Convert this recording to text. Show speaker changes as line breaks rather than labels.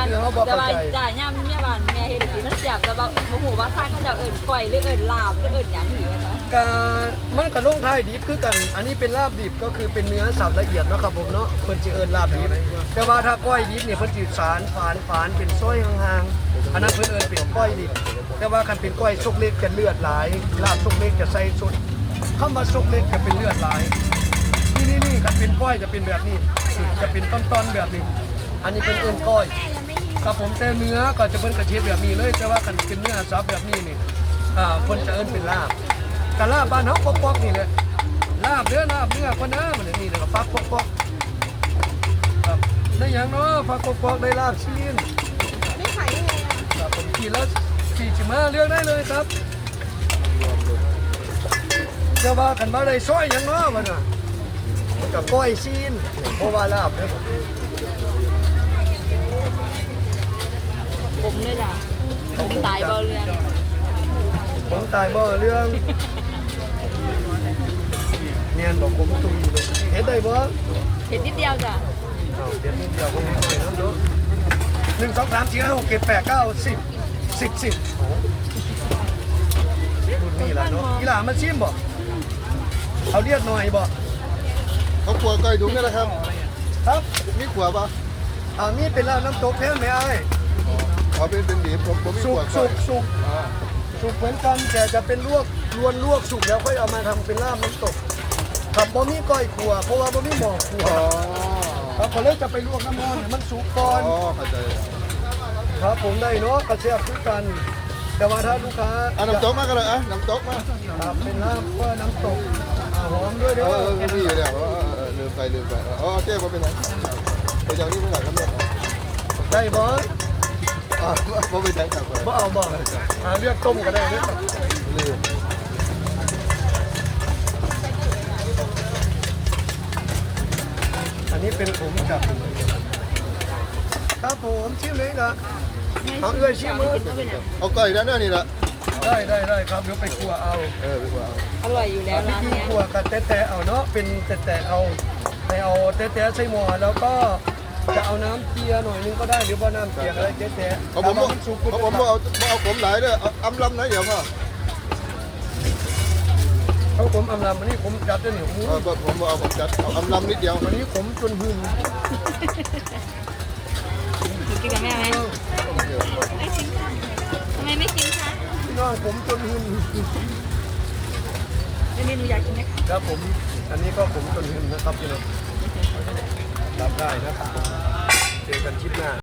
แต่ว่าจ่ายย่ำเนี่ยบ้านแม่เห็นสีมันเสียบแต่ว่าโมโหว่าท่านเขาจะเอิ่นก่อยหรือเอิ่นลาบหรือเอิ่นอย่างนี้นะคะ
มันกับลงท้ายดิบคือกันอันนี้เป็นลาบดิบก็คือเป็นเนื้อสับละเอียดเนาะครับผมเนาะเพิ่นจะเอิ้นลาบดิบแต่ว่าถ้าก้อยดิบเนี่ยเพิ่นสิสารฝานเป็นซอยห่างๆอันนั้นเพิ่นเอิ้นเป็นก้อยดิบแต่ว่าคันเป็นก้อยซกเล็กจะเลือดหลายลาบซกเล็กจะใส่สุดคำว่าซกเล็กจะเป็นเลือดหลายนี่คันเป็นก้อยจะเป็นแบบนี้จะเป็นต้นๆแบบนี้อันนี้เป็นเอิ้นก้อยครับผมแต่เนื้อก็จะเป็นกระเทียมแบบนี้เลยแต่ว่าคันเป็นเนื้อสับแบบนี้นี่เพิ่นจะเอิ้นเป็นลาบกะลาบบ้านเฮาปอกๆนี่แหละลาบเนื้อคนนะมันนี่แล้วก็ฟักปอกๆครับได้หยังเนาะฟักปอกๆได้ลาบชิ้นไม่ขายยังไงครับผมกินแล้ว45เลือกได้เลยครับจะว่ากันมาได้ซอยหยังเนาะมันน่ะกับก้อยชิ้นเพราะว่าลาบเนี่ย
ผมเลยจ้ะผมตายบ่เรือน
ผมตายบ่เรื่องเนียนบอกผมตุ้ยเลยเห็นได้บ่
เห็นนิดเดียวจ้ะ
เดี๋ยวนิดเดียวผมไม่ได้น้ำเนาะ1 2 3 4 5 6 7 8 9 10รุ่นนี้ล่ะเนาะกีฬามันชิมบ่เอาเรียกหน่อยบ่
เขาขวไก่ถุงนี่แหละครับ
ครับ
มีขวป่ะ
นี่เป็นลาบน้ำตกแท้ไหมไอ้
เขาเป็นดีผมมี
สุ
ข
ก
ว
สุกสุกสุกเหมือนกันแต่จะเป็นลวกสุกแล้วค่อยเอามาทำเป็นลาบน้ำตกกับบ่มีก้อยขัวเพราะว่าบ่มีหม้อขัว
อ๋อ
ครับเขาเลยจะไปลวกน้ำมันให้มันสุกก่อน
อ๋อเข้าใจ
ครับผมได้เนาะกระเทียมคือกัน แต่ว่าถ้าลูกค้า
น้ำตกมากันเลยน้ำตกมา
ครับเป็นลาบว่าน้ำตกหอมด้วยเด้อ
มีอยู่เนี่ยลืมไปอ๋อเจ๊มาเป็นไงไปจากนี้เมื่อไหร่ครับเนี่ย
ได้บ่
ผมไปแทงกลับไป
บ่เอาบ่เลือกต้มก็ได้เด้อ
ลืม
อันนี้เป็นผมกับครับผมชิมเลยครับเอาเอื้อยชิมมือ
เอาไก่ด้านหน้านี่แหละ
ได้ครับเดี๋ยวไปครัวเอา
ไปกว่า
อร่อยอยู่แล้ว
วิ
ร้าน
ธี
เนี้ย
ครัวกับแตะเอาเนาะเป็นแตะเอาไปเอาแตะใส่หม้อแล้วก็จะเอาน้ำเกลือหน่อยนึงก็ได้หรือว่าน้ำเกลืออะไรแตะ
ผมเอาผมหลายด้วยอำลำนะเดี๋ยวมา
เขาผมอำลำอันนี้ผมจัดด้วยเหนียวหมู
ผมเอาผมจัดเอาอำลำนิดเดียว
อันนี้ผมจนหึ่ง
กินกับแม่ไหมทำไมไม่กินคะ
พี่น้องผมจนหึ่ง
เมนูอยากกินไหมคะ
ครับผมอันนี้ก็ผมจนหึ่งนะครับพี่น้องรับได้นะครับเจอกันคลิปหน้า